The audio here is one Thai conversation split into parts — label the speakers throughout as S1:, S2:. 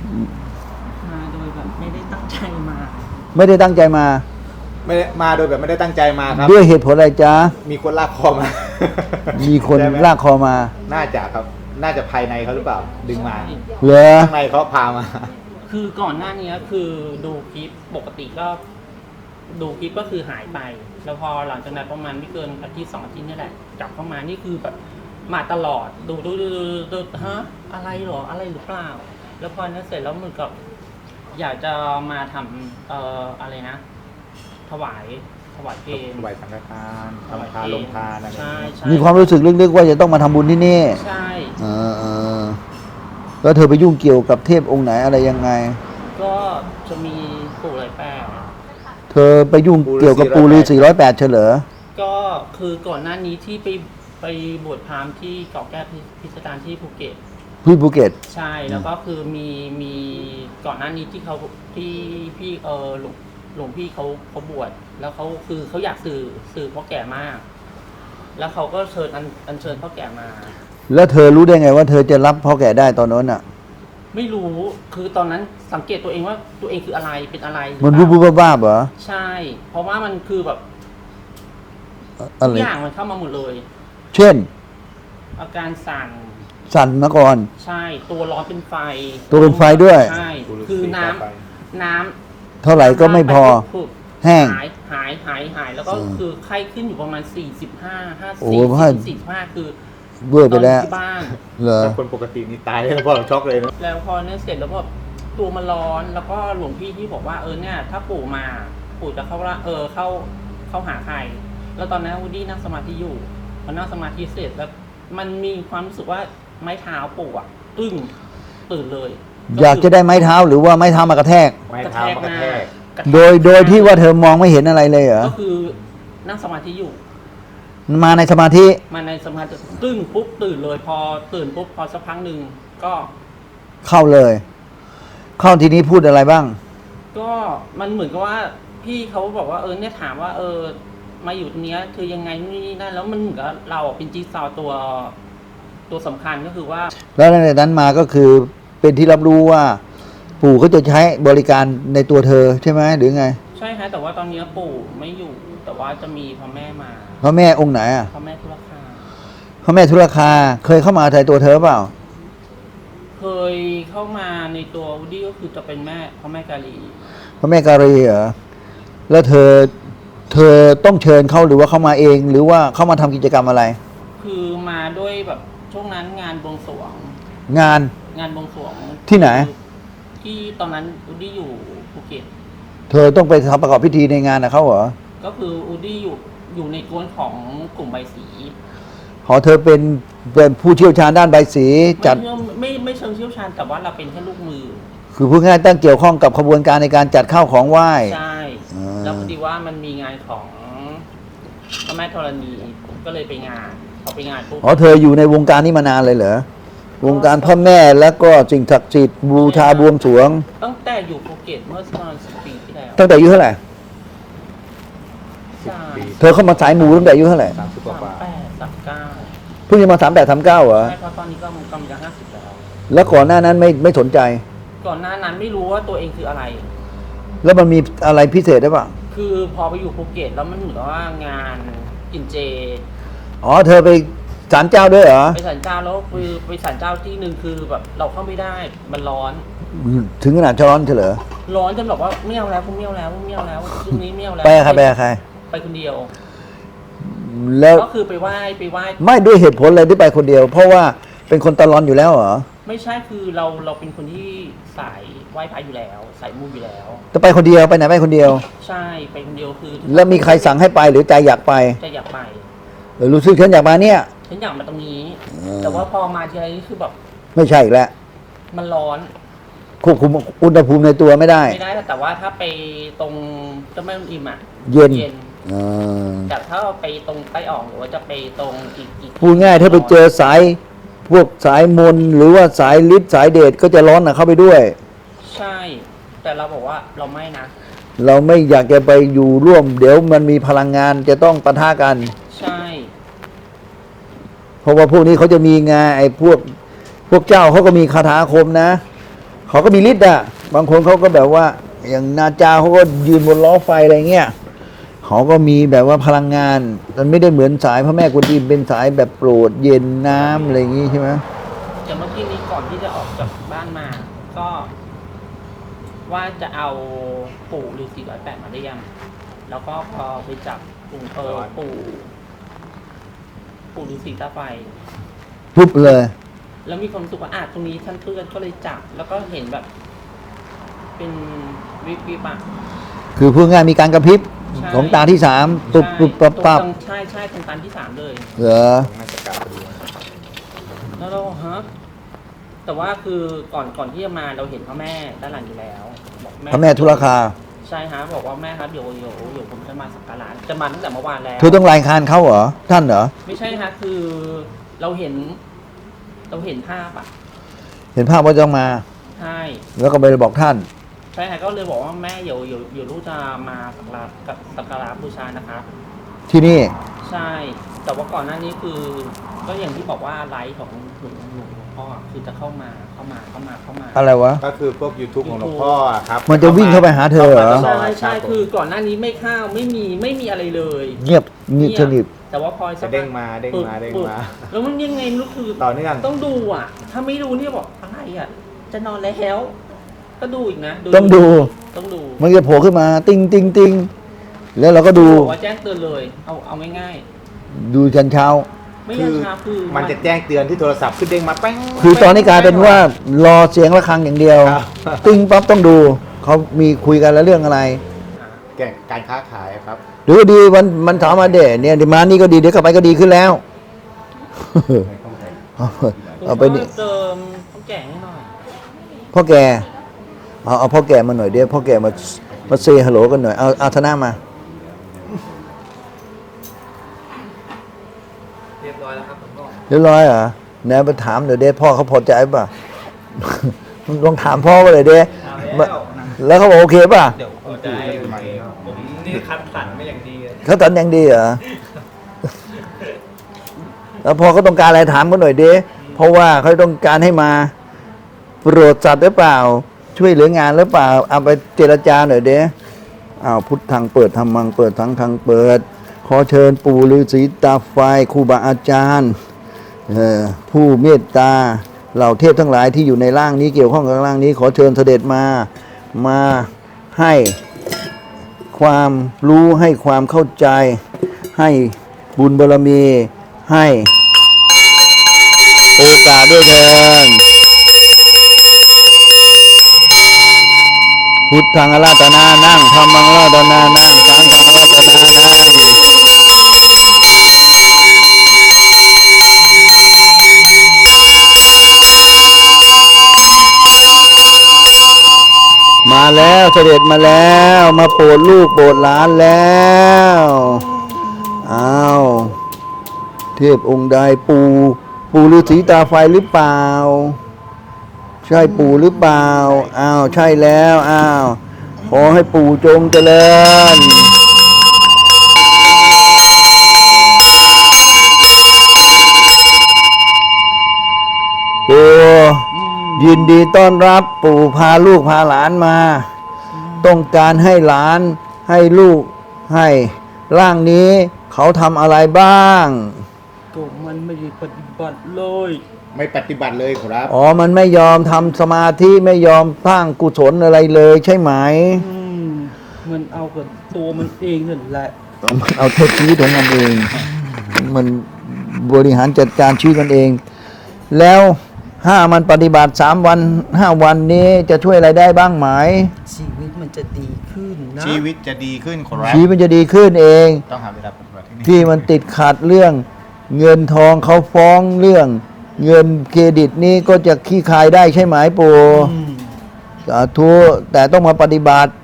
S1: มาโดยแบบไม่ได้ตั้งใจมา
S2: ไม่ได้ตั้งใจมา
S3: ไม่ได้มาโดยแบบไม่ได้ตั้งใจมาครับ
S2: ด้วยเหตุผลอะไรจ๊ะ
S3: มีคนลากคอมา
S2: มีคน
S3: ใช่ไหม
S2: ลากคอมา
S3: น่าจะครับ น่าจะภายในเขาหรือเปล่า ดึงมา
S1: ใช่
S2: เหรอ
S3: ข้างในเขาพามา
S1: คือก่อนหน้านี้คือดูคลิปปกติก็ดูคลิปก็คือหายไป แล้วพอหลังจากนั้นประมาณไม่เกินอาทิตย์2 อาทิตย์นี่แหละกลับเข้ามานี่คือแบบมาตลอดดูฮะอะไรหรออะไรหรือเปล่า แล้วพอนั้นเสร็จแล้วเหมือนกับ อยากจะมาทำอะไรนะ ถวายเพลง
S3: ไหวสังฆทานทำทานลงทานอะไรอย่าง
S1: ใช่
S3: เงี้ย
S1: ใช่
S2: มีความรู้สึกลึกๆว่าจะต้องมาทำบุญที่นี่
S1: ใช่
S2: เออแล้วเธอไปยุ่งเกี่ยวกับเทพองค์ไหนอะไรยังไง
S1: ก็จะมีปู่ไหลแปด
S2: เธอไปยุ่งเกี่ยวกับปูฤาษี108เฉลอ
S1: ก็คือก่อนหน้านี้ที่ไปบวชพราหมณ์ที่เกาะแก้วพิสดารที่ภูเก็ต
S2: พี่ภูเก็ต
S1: ใช่แล้วก็คือมีก่อนหน้านี้ที่เขาที่พี่หลวงพี่เขาบวชแล้วเขาคือเขาอยากสื่อพ่อแก่มาก แล้วเขาก็เชิญอัญเชิญพ่อแก่มา
S2: แล้วเธอรู้ได้ไงว่าเธอจะรับพ่อแก่ได้ตอนนั้นอ่ะ
S1: ไม่รู้คือตอนนั้นสังเกตตัวเองว่าตัวเองคืออะไรเป็นอะไรหรือ
S2: มัน
S1: เป
S2: บู
S1: ล่า
S2: บบ้าๆเหรอ
S1: ใช่ เพราะว่ามันคือแบบ
S2: อะ
S1: ทุ
S2: ไร
S1: กอย่างมันเข้ามาหมดเลย
S2: เช่น
S1: อาการสั่น
S2: สั่นมาก่อน
S1: ใช่ตัวร้อนเป็นไฟ
S2: ตัวเป็นไฟด้วย
S1: ใช่
S3: ปู่ฤาษี
S1: คือน้
S3: พาไป
S1: ำน้ำ
S2: เท่าไหร่ก็ไม่พอ
S1: ปุ๊บ
S2: แห้ง
S1: หายแล้วก็
S2: อืม
S1: คือไข้ขึ้นอยู่ประมาณ45
S2: โอ้
S1: 54
S2: พ่อ
S1: 45คือ
S2: เบื่อไปแล้ว
S1: ตอนที่บ้าน
S2: เหรอ
S3: แต่คนปกตินี่ตายแล้วพ่อเราช็อกเลยนะ
S1: แล้วพอเนี่ยเสร็จแล้วก็ตัวมันร้อนแล้วก็หลวงพี่ที่บอกว่าเนี่ยถ้าปู่มาปู่จะเข้าละเข้าหาใคร แล้วตอนนั้นวูดดี้นั่งสมาธิอยู่พอนั่งสมาธิเสร็จแล้วมันมีความรู้สึกว่าไม้เท้าปู่อะตึ้งตื่นเลย
S2: อยากจะได้ไม้เท้าหรือว่าไม้เท้ามากระแทก
S3: ไม้เท้ามากระแทก
S1: กระแทก
S2: โดยที่ว่าเธอมองไม่เห็นอะไรเลยเหรอ
S1: ก็คือนั่งสมาธิอยู่
S2: มาในสมาธิ
S1: มาในสมาธิตึ้งปุ๊บตื่นเลยพอตื่นปุ๊บพอสักพักหนึ่งก็
S2: เข้าเลย เข้าทีนี้พูดอะไรบ้าง
S1: ก็มันเหมือนกับว่าพี่เขาบอกว่าเนี่ยถามว่ามาอยู่ตรงเนี้ยคือยังไงนี่นั่นแล้วมันเหมือนกับเราเป็นจิ๊กซอว์ตัวสำคัญก็คือว่า
S2: แล้วในนั้นมาก็คือเป็นที่รับรู้ว่า ปู่เขาจะใช้บริการในตัวเธอใช่ไหมหรือไง
S1: ใช่ฮะแต่ว่าตอนนี้ปู่ไม่อยู่ แต่ว่าจะมีพ่อแม่มา
S2: พระแม่องค์ไหนอ่ะ
S1: พ่อแม่ธุรคา
S2: พระแม่ธุรคาเคยเข้ามาในตัวเธอเปล่า
S1: เคยเข้ามาในตัววูดดี้ก็คือจะเป็นพ่อแม่กาลี
S2: พระแม่การีเหรอแล้วเธอต้องเชิญเขาหรือว่าเขามาเอง หรือว่าเขามาทำกิจกรรมอะไร
S1: คือมาด้วยแบบช่วงนั้นงานบวงสรวง
S2: งาน
S1: บวงสรวง
S2: ที่ไหน
S1: ที่ตอนนั้นอูดี้อยู่ภูเก็ต
S2: เธอต้องไปทำประกอบพิธีในงานนะเขาเหรอ
S1: ก็คืออูดี้อยู่ในกวนของกลุ่มใบสี
S2: ขอเธอเป็นผู้เชี่ยวชาญด้านใบสีจัด
S1: ไม่เชิงเชี่ยวชาญแต่ว่าเราเป็นแค่ลูกมือ
S2: คือพูดง่ายๆตั้งเกี่ยวข้องกับขบวนการในการจัดข้าวของไหว้
S1: ใช่
S2: อ่า
S1: แล้วพอดีว่ามันมีงานของพระแม่ธรณีผมก็เลยไปงานพอไปงานปุ๊บ
S2: อ๋อเธออยู่ในวงการนี้มานานเลยเหรอวงการพ่อแม่แล้วก็สิ่งศักดิ์สิทธิ์บูชาบวงสรวง
S1: ตั้งแต่อยู่ภูเก็ตเมื่อประมาณ10 ปีที่แล้ว
S2: ตั้งแต่อายุเท่าไหร่
S1: ใช่
S2: เธอเข้ามาสายหมูตั้งแต่อายุเท่าไหร่
S3: 30 กว่า
S1: 38 39
S2: เพิ่งจะมา38 39เหรอ
S1: ใช่เพราะตอนนี้ก็กำลังจะ50แล้ว
S2: แล้วก่อนหน้านั้นไม่สนใจ
S1: ก่อนหน้านั้นไม่รู้ว่าตัวเองคืออะไร
S2: แล้วมันมีอะไรพิเศษได้ป่ะ
S1: คือพอไปอยู่ภูเก็ตแล้วมันเหมือนว่างานกินเจ
S2: อ๋อเธอไปศาลเจ้าด้วยเหรอ
S1: ไปศาลเจ้าแล้วคือไปศาลเจ้าที่หนึ่งคือแบบเราเข้าไม่ได้มันร้อน
S2: ถึงขนาดช้อนเฉลอ
S1: ร้อนจนแบบว่าไม่เอาแล้วกูไม่เอาแล้วไม่เอาแล้วช่วงนี้ไม่เอาแล้ว
S2: ไปกับใครไปกับใคร
S1: ไปคนเดียว
S2: แล้ว
S1: ก็คือไปไหว้
S2: ไม่ด้วยเหตุผลอะไรที่ไปคนเดียว เพราะว่าเป็นคนตะลอนอยู่แล้วเหรอ
S1: ไม่ใช่คือเราเป็นคนที่สายไหว้พระอยู่แล้วสายมูอยู่แล้ว
S2: จะไปคนเดียวไปไหนไปคนเดียว
S1: ใช่ไปคนเดียวคือ
S2: แล้วมีใครสั่งให้ไปหรือใจอยากไป
S1: จะอยากไป
S2: รู้สึกฉันอยากมาเนี่ย
S1: ฉันอยากมาตรงนี้
S2: อ่า
S1: แต่ว่าพอมาทีไรนี่คือแบบ
S2: ไม่ใช่อีกแล้ว
S1: มันร้อน
S2: ควบคุมอุณหภูมิในตัวไม่ได้
S1: ไม่ได้แต่ว่าถ้าไปตรงเจ้าแม่อุ่นอิ่มอ่ะ
S2: เย็น
S1: เย็น
S2: อ่า
S1: แต่ถ้าไปตรงใต้อ่องหรือว่าจะไปตรงอีก
S2: พูดง่ายถ้าไปเจอสายพวกสายมนต์หรือว่าสายฤทธิ์สายเดชก็จะร้อนเข้าไปด้วย
S1: ใช่ แต่เราบอกว่าเราไม่นะ
S2: เราไม่อยากจะไปอยู่ร่วม เดี๋ยวมันมีพลังงานจะต้องปะทะกัน
S1: ใช่
S2: เพราะว่าพวกนี้เขาจะมีงานไอ้พวกเจ้าเขาก็มีคาถาอาคมนะเขาก็มีฤทธิ์อ่ะบางคนเขาก็แบบว่า อย่างนาจาเขาก็ยืนบนล้อไฟอะไรเงี้ยเขาก็มีแบบว่าพลังงาน มันไม่ได้เหมือนสายพระแม่กวนอิมเป็นสายแบบโปรดเย็นน้ำอะไรอย่างงี้ใช่ไหม
S1: อย่างเมื่อกี้นี้ก่อนที่จะออกจากบ้านมา ก็ว่าจะเอาปู่ฤาษี108มาเรียมแล้วก็พอไปจับปู่ฤาษีตาไฟ
S2: ปุ๊บเลย
S1: แล้วมีความรู้สึกว่าตรงนี้ท่านเพื่อนก็เลยจับ แล้วก็เห็นแบบ เป็นวิบอ่ะ
S2: คือพูดง่ายมีการกระพริบ
S1: ใช่
S2: ของตาที่สามปุ๊บปุ๊บปั๊บปั๊บ
S1: ใช่ตรงตันที่ 3 เลย
S2: เหรอ
S3: น่าจะกลับพอดี
S1: แล้วเราฮะแต่ว่าคือก่อนที่จะมาเราเห็นพ่อแม่ด้านหลังอยู่แล้วบอก
S2: พระแม่ทุรคา
S1: ใช่ฮะบอกว่าแม่ครับเดี๋ยวผมจะมาสักการะจะมาตั้งแต่เมื่อวานแล้ว
S2: เธอต้องรายงานเขาเหรอ ท่านเหรอ
S1: ไม่ใช่ฮะคือเราเห็นภาพอ่ะ
S2: เห็นภาพว่าจะต้องมา
S1: ใช่
S2: แล้วก็ไปบอกท่าน
S1: ใช่ฮะก็เลยบอกว่าแม่เดี๋ยวลูกจะมาสักการะบูชานะครับ
S2: ที่นี่
S1: ใช่ แต่ว่าก่อนหน้านี้คือ ก็อย่างที่บอกว่าไลฟ์ของหลวงพ่อคือจะเข้ามา
S2: อะไรวะ
S3: ก็คือพวก YouTube ของหลวงพ่ออะครับ
S2: มันจะวิ่งเข้าไปหาเธอเหรอ
S1: ใช่คือก่อนหน้านี้ไม่ข้าวไม่มีอะไรเลย
S2: เงียบนิสนิท
S1: แต่ว่าพอสั
S3: จะ
S1: ก
S3: เด้งมาเด้งมาเด้งมา
S1: แล้วมันยังไงไม่รู้คือ
S3: ต่อเนื่อง
S1: ต้องดูอ่ะ ถ้าไม่ดูเนี่ยบอกอะไรอ่ะ จะนอนแล้วก็ดูอีกนะ
S2: ต้องดู
S1: ต้องดู
S2: มันจะโผล่ขึ้นมา ติ้งติ้งติ้งแล้วเราก็ดู
S1: บอกว่าแจ้งเตือนเลย เอาง่าย
S2: ดูจันเช้า
S1: ๆไม่
S3: คื
S1: ยัน
S3: อ
S1: ชาคือ
S3: มันจะแจ้งเตือนที่โทรศัพท์ขึ้นเด้งมาแป้ง
S2: คือตอนนี้กลายเป็นว่ารอเสียงระฆังอย่างเดียว
S3: ครับ
S2: ติ้งปั๊บต้องดู เขามีคุยกันแล้วเรื่องอะไร
S3: แก่การค้าขายครับ
S2: ดูดีมันถามมาเด่เนี่ยเดี๋ยวมานี่ก็ดีเดี๋ยวกลับไปก็ดีขึ้นแล้ว เอาไปนี่
S1: เติมต้องแก่ให้หน่อย
S2: พ่อแกเอาพ่อแกมาหน่อยเดี๋ยวพ่อแกมาเซฮัลโหลกันหน่อยเอาธนามา
S1: เรียบร้อยแล้วครับผมบอก
S2: เรียบร้อยเหรอไหนไปถามเดี๋ยวเด้พ่อเขาพอใจป่ะ ลองถามพ่อว่าเลยเด้แล้วเขาบอกโอเคป่ะ
S1: เดี๋ยวผมจะให้ผมนี่คัดสรรมาอย่างดีเลย
S2: เขาตันยังดีเหรอ แล้วพอเขาต้องการอะไรถามเขาหน่อยเด้เพราะว่าเขาต้องการให้มาโปรดสัตว์หรือเปล่า ช่วยเหลืองานหรือเปล่าเอาไปเจรจาหน่อยเด้พุทธังเปิดธรรมังเปิดทั้งทางเปิด ขอเชิญปู่ฤาษีตาไฟครูบาอาจารย์ผู้เมตตาเหล่าเทพทั้งหลายที่อยู่ในร่างนี้เกี่ยวข้องกับร่างนี้ ขอเชิญเสด็จมาให้ความรู้ให้ความเข้าใจ ให้บุญบารมีให้โอกาสด้วยเถิดพุทธังอาราธนานั่งธรรมังอาราธนานั่งสังฆังอาราธนานั่งมาแล้วเสด็จมาแล้วมาโปรดลูกโปรดหลานแล้วอ้าวเทพองค์ใดปู่ฤาษีตาไฟหรือเปล่า ใช่ปู่หรือเปล่าอ้าวใช่แล้วอ้าวขอให้ปู่จงเจริญปู่ยินดีต้อนรับปู่พาลูกพาหลานมา ต้องการให้หลานให้ลูกให้ร่างนี้เขาทำอะไรบ้าง
S1: ก็มันไม่ได้ปฏิบัติเลย
S3: ไม่ปฏิบัติเลยครับ
S2: อ๋อมันไม่ยอมทำสมาธิไม่ยอมสร้างกุศลอะไรเลยใช่ไหม
S1: มันเอากับตัวมันเองนั่นแหละ
S2: มันเอาโทษชีวิตของมันเอง มันบริหารจัดการชีวิตมันเอง แล้วมันปฏิบัติ3 วัน5 วันนี้จะช่วยอะไรได้บ้างไหม
S1: ชีวิตมันจะดีขึ้นนะ
S3: ชีวิตจะดีขึ้นครับ
S2: ชีวิตมันจะดีขึ้นเอง
S3: ต้องหาเวลาปฏิบัติที่นี่
S2: ที่มันติดขัดเรื่องเงินทองเขาฟ้องเรื่องเงินเครดิตนี้ก็จะขี้คายได้ใช่ไหมปู่ สาธุแต่ต้องมาปฏิบัติ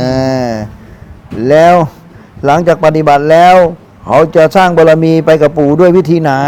S2: แล้วหลังจากปฏิบัติแล้ว เขาจะสร้างบารมีไปกับปู่ด้วยวิธีไหน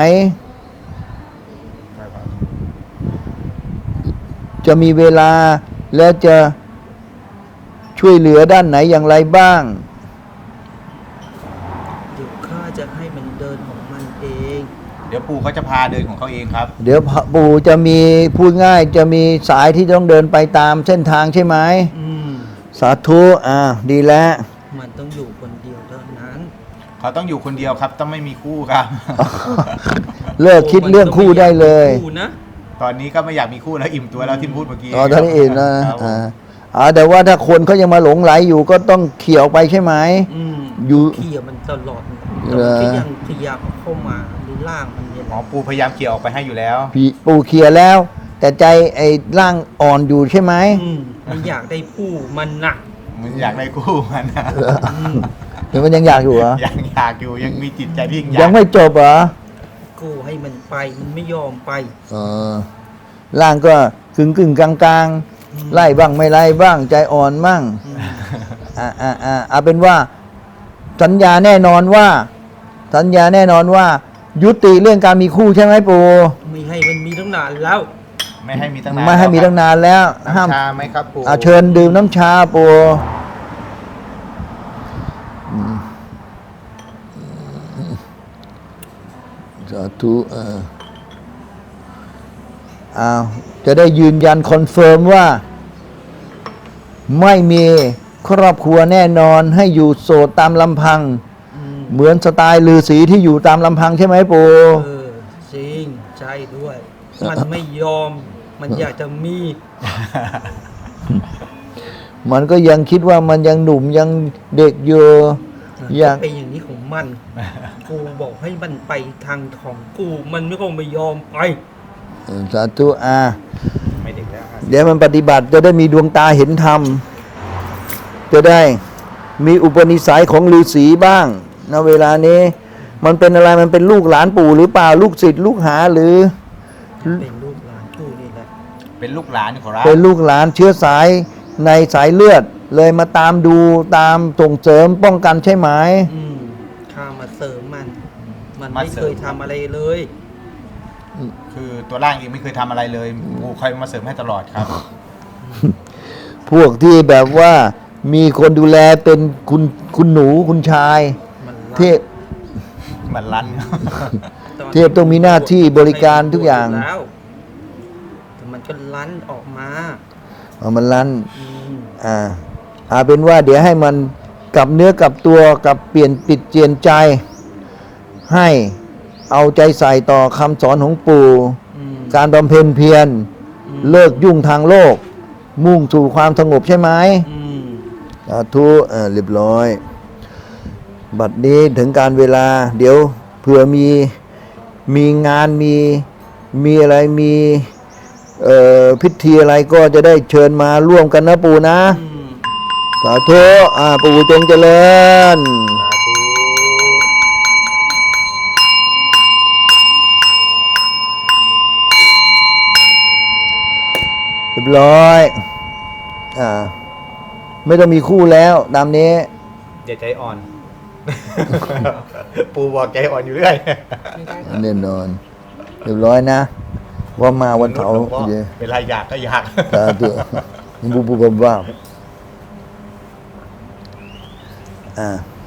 S2: จะมีเวลาและจะช่วยเหลือด้านไหนอย่างไรบ้าง
S1: เดี๋ยวข้าจะให้มันเดินของมันเอง
S3: เดี๋ยวปู่เขาจะพาเดินของเขาเองครับ
S2: เดี๋ยวปู่จะมีพูดง่ายจะมีสายที่ต้องเดินไปตามเส้นทางใช่ไหม สาธุดีแล้ว
S1: มันต้องอยู่คนเดียวเท่านั้น
S3: เขาต้องอยู่คนเดียวครับ ต้องไม่มีคู่ครับ
S2: เลิกคิดเรื่องคู่ได้เลย
S1: คู่นะ
S3: ตอนนี้ก็ไม่อยากมีคู่แล้วอิ่มตัวแล้วที่พูดเมื่อกี้
S2: อ๋อตอนนี้เองนะครับ
S3: ผม
S2: แต่ว่าถ้าคนเขายังมาหลงไหลอยู่ก็ต้องเขี่ยวไปใช่ไหม อยู่
S1: เขี่ยมันตลอด
S2: เหรอ
S1: แต่มันก็ยังพยายามเอาเข้ามาดูล่างมันเนี่ย
S3: หมอปู่พยายามเกี่ยวออกไปให้อยู่แล้ว
S2: ปู่เขี่ยแล้ว แต่ใจไอ้ร่างอ่อนอยู่ใช่ไหม
S1: มันอยากได้ผู้มันหนัก
S3: มันอยากได้คู่มันนะ
S2: หรือมันยังอยากอยู่เหรอ
S3: ยังอยากอยู่ยังมีจิตใจที่อ
S2: ยังไม่จบเหรอ
S1: กูให้มันไปมันไม่ยอมไป
S2: เออร่างก็กึ่งกลางๆ ไล่บ้างไม่ไล่บ้าง ใจอ่อนบ้างเอาเป็นว่า สัญญาแน่นอนว่า ยุติเรื่องการมีคู่ใช่ไหมปู่
S1: ไม่ให้มันมีตั้งนานแล้ว
S3: ไม่ให้มีตั้งนาน
S2: ไม่ให้มีตั้งนานแล้ว ห้าม
S3: น้ำชาไหมครับปู่
S2: เชิญดื่มน้ำชาปู่สาธุจะได้ยืนยันคอนเฟิร์มว่า ไม่มีครอบครัวแน่นอนให้อยู่โสดตามลำพัง เหมือนสไตล์ฤาษีที่อยู่ตามลำพังใช่ไหมปู่
S1: จริงใช่ด้วย มันไม่ยอม มันอยากจะมี
S2: มันก็ยังคิดว่ามันยังหนุ่มยังเด็กอยู่ยัง
S1: เป็นอย่างนี้ของมัน กูบอกให้มันไปทางของกู มันไม่ยอมไป
S2: สาธุ
S3: ไม่เด็กแล้วครับ
S2: เดี๋ยวมันปฏิบัติจะได้มีดวงตาเห็นธรรม จะได้มีอุปนิสัยของฤาษีบ้างณเวลานี้ มันเป็นอะไรมันเป็นลูกหลานปู่หรือเปล่าลูกศิษย์ลูกหาหรือ
S1: เป็นลูกหลานกูนี่แหละ
S3: เป็นลูกหลานขอรับ
S2: เป็นลูกหลานเชื้อสายในสายเลือด เลยมาตามดูตามส่งเสริมป้องกันใช่ไหม
S1: ข้ามาเสริมมัน มัน
S3: มา
S1: ไม่
S3: เสริ
S1: เค
S3: ม
S1: ยทำอะไรเลย
S3: คือตัวร่างเองไม่เคยทำอะไรเลยปู่คอยมาเสริมให้ตลอดครับ
S2: พวกที่แบบว่ามีคนดูแลเป็นคุณหนูคุณชาย
S1: มันรัก
S2: เทพ
S3: มันลั่น
S1: ตน
S2: เทพต้องมีหน้าที่บริการทุกอย่าง
S1: แล้วแต่มันก็ลั้นออกมา
S2: มันลั่น
S1: อืม
S2: เป็นว่าเดี๋ยวให้มันกลับเนื้อกลับตัวกับเปลี่ยนปิดเจียนใจ ให้เอาใจใส่ต่อคำสอนของปู่
S1: อืม
S2: การบำเพ็ญเพียรเลิกยุ่งทางโลก มุ่งสู่ความสงบใช่ไหม
S1: อืม
S2: สาธุเรียบร้อย บัดนี้ถึงการเวลา เดี๋ยวเผื่อมีงานมีอะไรมีพิธีอะไรก็จะได้เชิญมาร่วมกันนะปู่นะ
S1: อืม
S2: สาธุปู่จงเจริญเรียบร้อยไม่ต้องมีคู่แล้วตามนี้
S3: อย่าใจอ่อน ปู่บอกใจอ่อนอยู่เรื่อย
S2: แน่นอนเรียบร้อยนะ ว่ามาวันเสาร์
S3: หลวงพ่อเวลาอยากก็อยาก
S2: สาธุบุบบ้า